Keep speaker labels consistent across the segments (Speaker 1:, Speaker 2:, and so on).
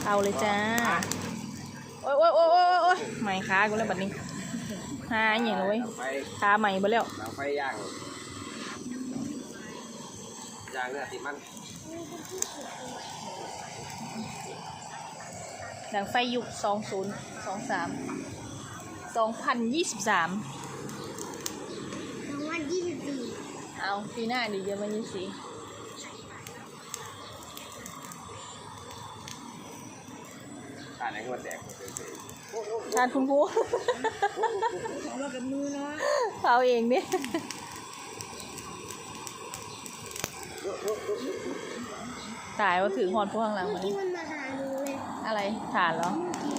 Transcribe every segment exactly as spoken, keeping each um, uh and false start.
Speaker 1: เอาเลยจ้าโอ้ยโอ้ยโอ้ยโอ้ยโอ้ยใหม่ขากูแล้วบัดนี้หาอย่างเลยขาใหม่ไปแล้ว
Speaker 2: หลังไฟย่างย่างเนื้อติดมัน
Speaker 1: หลังไฟยุคสองศูนย์สองสามสองพันยี่สิบสาม
Speaker 3: สองพันยี่สิบสี่
Speaker 1: เอาปีหน้าดีเยอะมันยี่สิบ
Speaker 2: ทานไหนก็มาแตก
Speaker 1: ทานคุณครู
Speaker 3: เรากับมือเนาะ
Speaker 1: เอาเองดิตายว่าถือหอนพวกข้างหลังมา
Speaker 3: ที่มันมาหาหนูเลย
Speaker 1: อะไรฐานเหรอ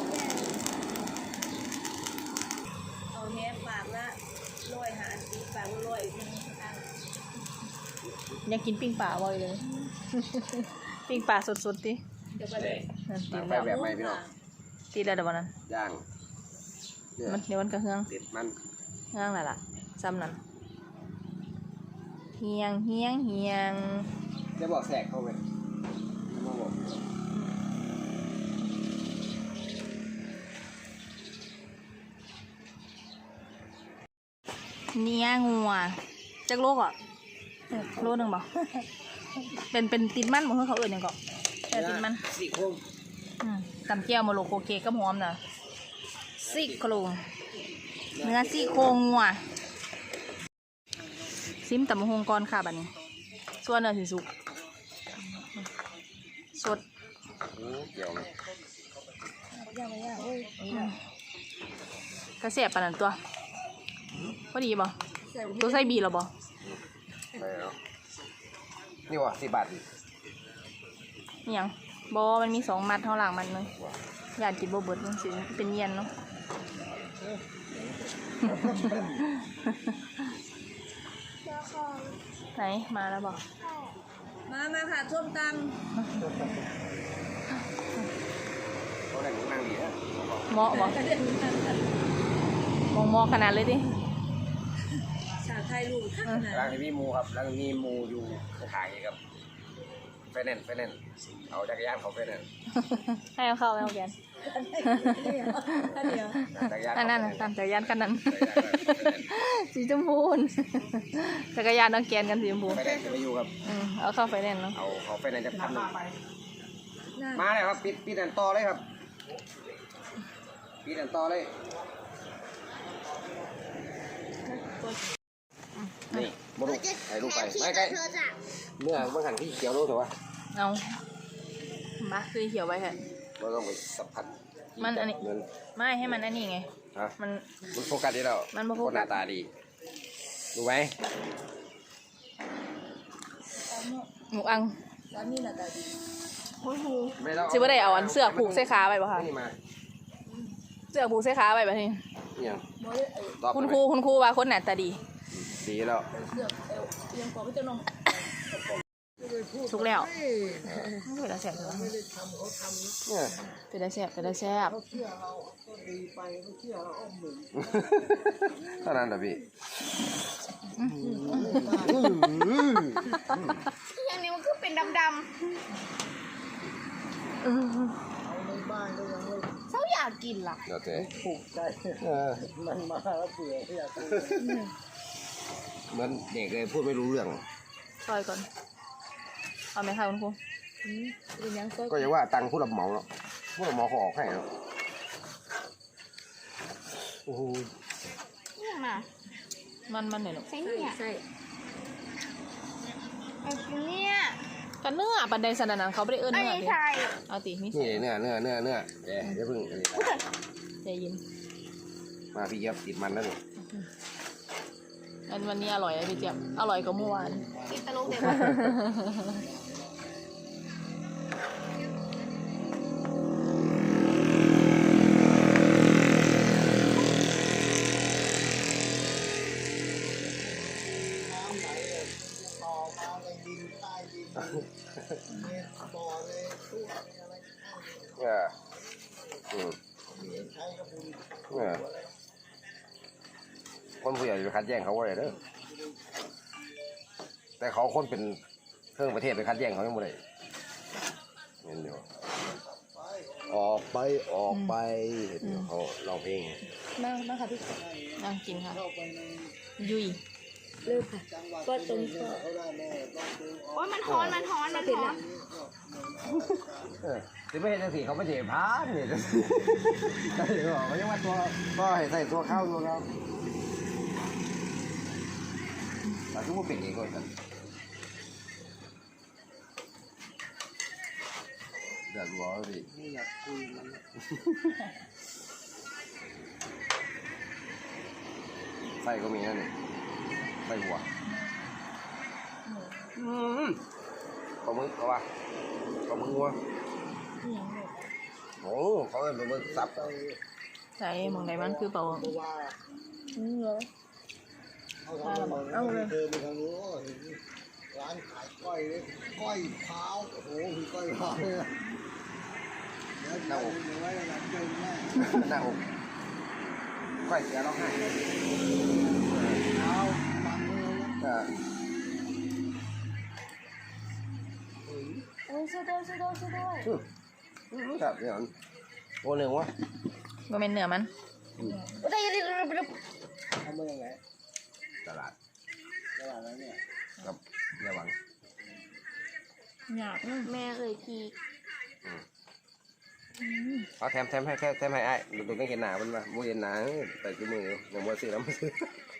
Speaker 3: เอาแค่ฝากละร้อยหาสีฝากร้อย
Speaker 1: ยังกินปิ้งป่าบ่อยเลยปิ้งป่าสดๆดิ
Speaker 2: เดี๋ยวไปเลยไปแบบไม่พี่น้อง
Speaker 1: ตีแล้วเดี๋ยววันนั้น
Speaker 2: ย่าง
Speaker 1: มันเดี๋ยวมันกระเฮือง
Speaker 2: ติดมัน
Speaker 1: เฮืองอะไรล่ะซ้ำนั่นเฮียงเฮียงเฮียง
Speaker 2: จะบอกแสกเข้าไปมาบอก
Speaker 1: เนี้ยงัวจักโลกอ่ะโลหนึ่งบ่เป็นเป็นติดมันบ่เพื่อเขาเอื่นยังก่อนแต่ติดมัน
Speaker 2: สี่โค้ง
Speaker 1: ตำเจียวมาโลโคเกก็หอมนะซี่โครงเนื้อซี่โครงงัวซิมตำมะฮงก่อนค่ะบัดนี้ส่วนเนื้อสิสุกสด
Speaker 2: เกี่ยวไหม
Speaker 1: ก็เสียบปานนั้นตัวพอดีบ่ตัวไส้บีหรอบ่
Speaker 2: ไม่เนาะนี่วะสิบบาท
Speaker 1: นี่ยังบอมันมีสองมัดเท่าหลังมันเลยอยากกินโบเบิร์ดมันสิเป็นเย็นเนาะไหนมาแล้วบอก
Speaker 3: มามาค่ะส้มตำ
Speaker 2: เขาได้นั่งดีนะ
Speaker 1: เหมาะบอกมองมอขนาดเลยดิ
Speaker 3: ชาไทยลูก
Speaker 2: ร้านนี้มีมูครับร้านนี้มูอยู่ขายครับไฟแนนซ์ไฟแนนซ์เอาจักรยานเขาไฟแนนซ์
Speaker 1: ให้เอาเข้าเอาแกนอันนั้นตามจักรยานกันนั้นสีชมพูจักรยานต้องแกนกันสีชมพู
Speaker 2: ไฟแนนซ์จะไปอยู่ครับ
Speaker 1: เอาเข้าไฟแนนซ์เนาะ
Speaker 2: เอาเขาไฟแนนซ์จะพันหนึ่งมาเลยครับปิดปิดอันต่อเลยครับปิดอันต่อเลยนี่มาดูถ่ายรูปไปไม่ใกล้เนื้อบางหันที่เขียวรู้ถูกป่ะ
Speaker 1: เอามาคือเขียวไว้ค่ะ
Speaker 2: เราต้องไปสัมผัส
Speaker 1: มันอันนี้ไม่ให้มันอันนี้ไงมัน
Speaker 2: มันโฟกัสดีแล้ว
Speaker 1: มันโฟกัส
Speaker 2: หน้าตาดีดูไหม
Speaker 1: หมูอัง
Speaker 3: นี่หน้าตาดี
Speaker 1: ชิบ่ได้เอาอันเสื้อผูกเสื้อขาไปป่ะคะเสื้อผูกเสื้อขาไปแบบนี้คุณครูคุณครูว่าคนหน้าตาดี
Speaker 2: ดีแล้ว
Speaker 1: สุกแล้วเป็นได้แซ่บเลยเป็นได้แซ่บเป็นได้แซ่บ
Speaker 2: เท่านั้นเหรอพี่
Speaker 3: อย่างนี้มันคือเป็นดำๆเขาอยากกินล่ะ
Speaker 2: เดี๋ยวเจ๊
Speaker 4: ผูกใจมันมาแล้วเบื่ออยาก
Speaker 2: เหมือนเด็กเลยพูดไม่รู้เรื่อง
Speaker 1: ซอยก่อนเอาไหมคะคุณครู
Speaker 2: ก็ยังว่าตังค์ผู้รับเหมาเนาะผู้รับเหมาเขาออกให้เนาะโอ้โห
Speaker 3: เนี่ยมา
Speaker 1: มันมันหน่อยหรอ
Speaker 3: ใช่เนี่ยใช่ไอ้เนี่ย
Speaker 1: กันเนื้อปันไดสนันเขาไม่ได้เอื้อนเนื้อเลยเอาตีนี่
Speaker 2: เนื้อเนื้อเนื้อเนื้อเดี๋ยวเดี๋ยวพึ่ง
Speaker 1: ใจเย็น
Speaker 2: มาพี่เจี๊ยบติดมันแล้วนี่
Speaker 1: อันวันนี้อร่อยเลยพี่เจี๊ยบอร่อยกว่าเมื่อวาน
Speaker 3: กินตลกเด็
Speaker 2: เอออืมเออคนผู้ใหญ่ไปคัดแย่งเขาไว้เด้อแต่เขาคนเป็นเครื่องประเทศไปคัดแย่งเขาไม่หมดเลยเห็นอยู่ออกไปออกไปเขาร้องเพลง
Speaker 3: มากมากค่ะพี่
Speaker 1: นั่งกินค่ะ
Speaker 4: เข้าไปใน
Speaker 1: ยุย
Speaker 3: เลิกค่ะ
Speaker 4: จังหวัด
Speaker 3: ก็ตรง
Speaker 4: นี้เขาได้แน่ต้องดูออก
Speaker 3: โอ้ยมันฮ้อนมันฮ้อนมันฮ้อน
Speaker 2: เออที่ไม่เห็นจังสีเขาไม่เจ็บพานเนี่ยใช่หรอเขายังว่าตัวก็ให้ใส่ตัวเข้าตัวเขาแต่ทุกคนเป็นเองก่อนกันเดือดร้อนดิ
Speaker 4: ไม่อยากคุยมัน
Speaker 2: ไส้ก็มีนั่นนี่ไส้หัวอืมปลาหมึกเขาว่าปลาหมึกวัวโอ้เขาเป็นปลาหมึกสับ
Speaker 1: ใส่หมองใดมันคือเปล่า
Speaker 4: เพราะว่า
Speaker 1: อืมเหรอ
Speaker 4: เอาทำมาเอาเลยเดินไปทางนู้นเห็นร้านขายก้อยเลยก้อยเท้าโอ้โหมีก้อยเท้าเลยนะเดี๋ยวเดี๋ยวเดี๋ยวไว้หลังเจอแม่
Speaker 2: หน้าอกก้อยเสียร้องไห้
Speaker 4: เท้าฟังเลยนะ
Speaker 2: เออ
Speaker 3: โอ้ยช่วยด้วยช่วยด้วยช่วยด้วย
Speaker 2: ครับเดี๋ยวโอ้หนึ่งวะ
Speaker 1: บ่แม่นเนื้อมัน
Speaker 3: โอ้ยได้ได้ได้ได้
Speaker 4: ทำมาอย่างไร
Speaker 2: ตลาด
Speaker 4: ตลาดนั้นเนี่ย
Speaker 2: กับเรือวัง
Speaker 1: อยาก
Speaker 3: แม่เคยขี่
Speaker 2: เอาแถมแถมให้แค่แถมให้ไอ้ดูต้องเห็นหนามันมาโมเห็นหนาแต่คือมือยังมัวซื้อแล้วมาซื้อ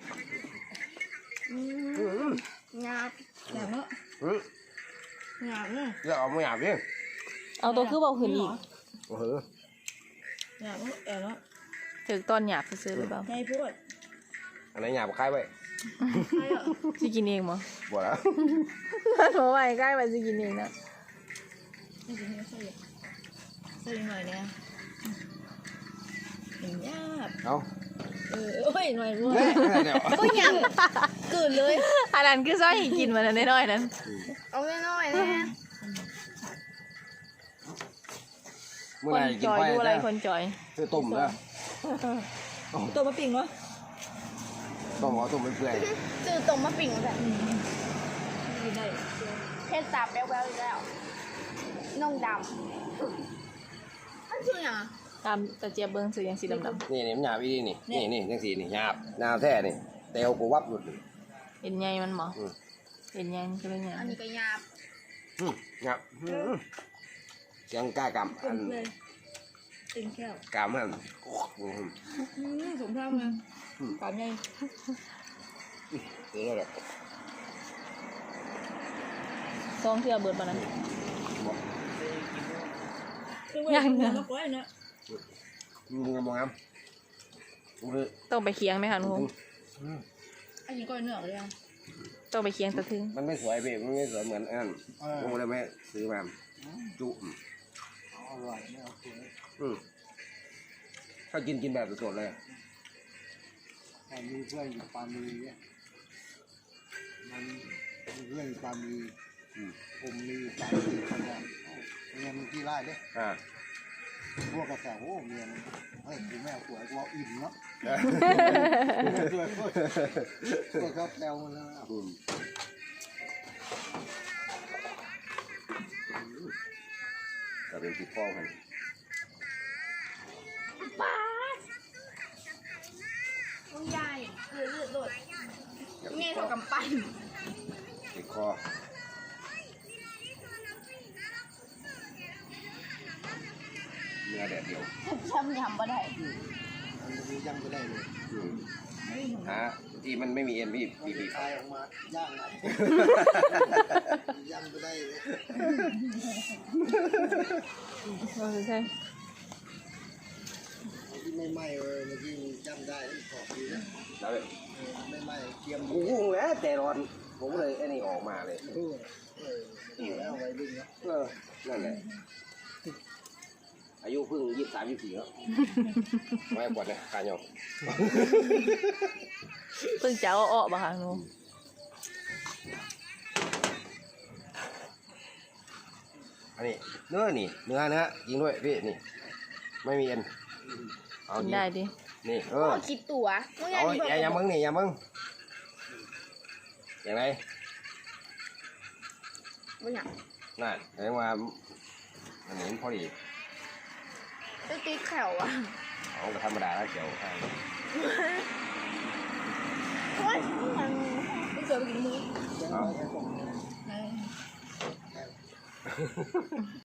Speaker 3: หยาบ
Speaker 1: อยากเนาะ
Speaker 2: อืม
Speaker 3: หยาบเนาะ
Speaker 2: เลือกเอาไม่หยาบดิ
Speaker 1: เอาตัวคือเบาขึ้นอีก
Speaker 2: โอ้โห
Speaker 1: อยากเนาะแอบเนาะถึกตอนหยาบซื้อๆหรือเปล่า
Speaker 3: ใช่พูด
Speaker 2: อันไหนหยาบคล้ายไว้
Speaker 3: ใช่เหรอ
Speaker 1: สิกินเองบ่
Speaker 2: บ่แล้ว
Speaker 1: โถ่ไว้ใกล้ไปสิกินเองนะ
Speaker 3: ไม่ใช่ไม่ใช่
Speaker 1: ใส่หน่อยเนี่ยเห็นหยาบ
Speaker 2: เอา
Speaker 1: เออโอ้ยหน่อยรู้
Speaker 2: เฮ้ยเดี๋ยว
Speaker 3: ก็หยาบกืนเลย
Speaker 1: อันนั้นคือซอยให้กินมันอันน้อยๆนั้น
Speaker 3: เอาน้อยๆนะ
Speaker 2: เมื่อ
Speaker 1: ค
Speaker 2: ไห
Speaker 1: น
Speaker 2: ร่กิ
Speaker 1: จ
Speaker 2: น
Speaker 1: อย
Speaker 2: ไป
Speaker 1: ดูอะไร
Speaker 2: นะ
Speaker 1: คนจอย
Speaker 2: คือต้มนะ
Speaker 1: ตัวมะปิ่งวะ
Speaker 2: ต้มเอาต้มเปื่อย
Speaker 3: จืดตรงมาปิ่งแบบ
Speaker 1: กินได้
Speaker 3: เพชรตาแบ๊วๆอีกแล้วน่องดำมันชื่ออย่าง
Speaker 1: ตามตะเจียบเบิ้งซื้อยังสีดำ
Speaker 2: ๆนี่นี่มันหยาบอีนี่นี่นี่จังสีนี่หยาบหยาบแท้นี่เตวกูวับหลุด
Speaker 1: ๆเห็นไงมันหมอ
Speaker 2: อืม
Speaker 1: เห็นไงมันก็เลยไง
Speaker 3: อันนี้ก็หยาบ
Speaker 2: อืมหยาบอืมเสียงกล้ากำอัน
Speaker 1: เต็มแก้ว
Speaker 2: กำมันอืม
Speaker 1: สมทางนะปามใหญ่
Speaker 2: เออแล้ว
Speaker 1: ซองเทือเบิดปานนั้น
Speaker 2: บอก
Speaker 1: ยังเนอะ
Speaker 2: มึงมองงามมึงคือ
Speaker 1: ต้องไปเคียงไหมคะลุง
Speaker 3: อันนี้ก็เนื้อเลยอ่ะ
Speaker 1: ต้องไปเคียงตะทึง
Speaker 2: มันไม่สวยพี่มันไม่สวยเหมือนอันนั้นผมเลยไม่ซื้อมาจุ
Speaker 4: อร่อยไม่เอาเสีย
Speaker 2: อืมถ้ากินกินแบบสดๆเลย
Speaker 4: แต่มีเพื่อนอยู่ปามีเนี่ยมันมีเพื่อนอยู่ปามีผมมีสามสี่คนเนี่ยเมียมันกี่ไร่เนี่ย
Speaker 2: อ่า
Speaker 4: พวกกระแสโอ้เมียมันเฮ้ยกูแม่สวยกูเอาอิ่มเนาะสวยก็ชอบแซวมันแล้ว
Speaker 2: อืมก็เป็นติดฟองกัน
Speaker 3: ป้าต้องยายคือเลือดโดดเงี้ยเท่ากับปั้น
Speaker 2: ติดคอเนื้อแดดเดียว
Speaker 3: ช้ำยำบ่ได้
Speaker 4: มันมีย่างไปได้เลย
Speaker 2: อืมฮะที่มันไม่มีเอ็นพี่บีบี
Speaker 4: คายออกมาย่างนะย่างไปได้เลย
Speaker 1: เออใช่
Speaker 4: ที่ไม่ไหม้เลยเมื่อกี้ย่างได้ขอบดีนะ
Speaker 2: แล้ว
Speaker 4: ไม่ไหม้เทียม
Speaker 2: กูงงแล้วแต่ร้อนผมเลยไอ้นี่ออกมาเลย
Speaker 4: เออเออแล้วไว้ดึงนะ
Speaker 2: เออนั่นแหละอายุเพิ่งยี่สิบสามยี่สิบสี่แล้วไม่ปวดเลยขาหยอก
Speaker 1: เพิ่งจะเอาออกบ่ค่ะลุง
Speaker 2: อันนี้เนื้อนี่เนื้อเนื้อยิงด้วยพี่นี่ไม่มีเอ็นเอา
Speaker 1: กิน
Speaker 2: ยิง
Speaker 1: ได้ดิ
Speaker 2: นี่เอ
Speaker 3: โอ้
Speaker 2: อ
Speaker 3: คิดตัวมึง
Speaker 2: เอา
Speaker 3: นี่
Speaker 2: อย่าอย่ามึงนี่อย่ามึงอย่างไร
Speaker 3: มึงอยาก
Speaker 2: น่ะเรียกว่าอันนี้พอดี
Speaker 3: จะตีแขวอ่ะ
Speaker 2: เอาธรรมดาแล้วเกี่ยว
Speaker 3: โอ้ยมันไม่เจอไปกินมือ
Speaker 4: จะเอาไปส่ง